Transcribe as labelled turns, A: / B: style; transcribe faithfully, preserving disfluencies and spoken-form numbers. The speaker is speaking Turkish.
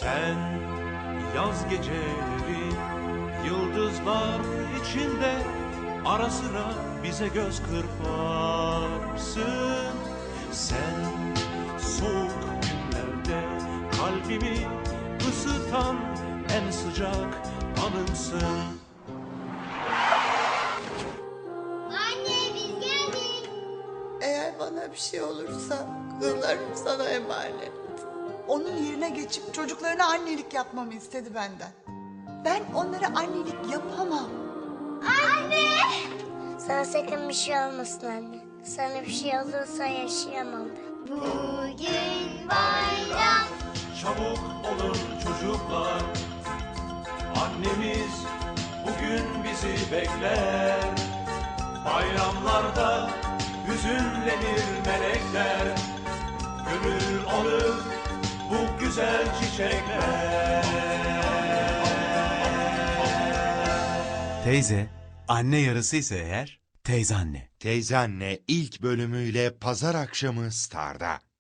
A: Sen yaz geceleri yıldızlar içinde ara sıra bize göz kırparsın. Sen soğuk günlerde kalbimi ısıtan en sıcak anımsın.
B: Anne biz geldik.
C: Eğer bana bir şey olursa kızlarım sana emanet.
D: Onun yerine geçip çocuklarına annelik yapmamı istedi benden. Ben onlara annelik yapamam.
B: Anne!
E: Sana sakın bir şey olmasın anne. Sana bir şey olursa yaşayamam ben.
B: Bugün bayram.
A: Çabuk olun çocuklar, annemiz bugün bizi bekler. Bayramlarda hüzünlenir melekler, gönül alır bu güzel çiçekler.
F: Teyze, anne yarısıysa eğer, teyze anne.
G: Teyze Anne ilk bölümüyle pazar akşamı Star'da.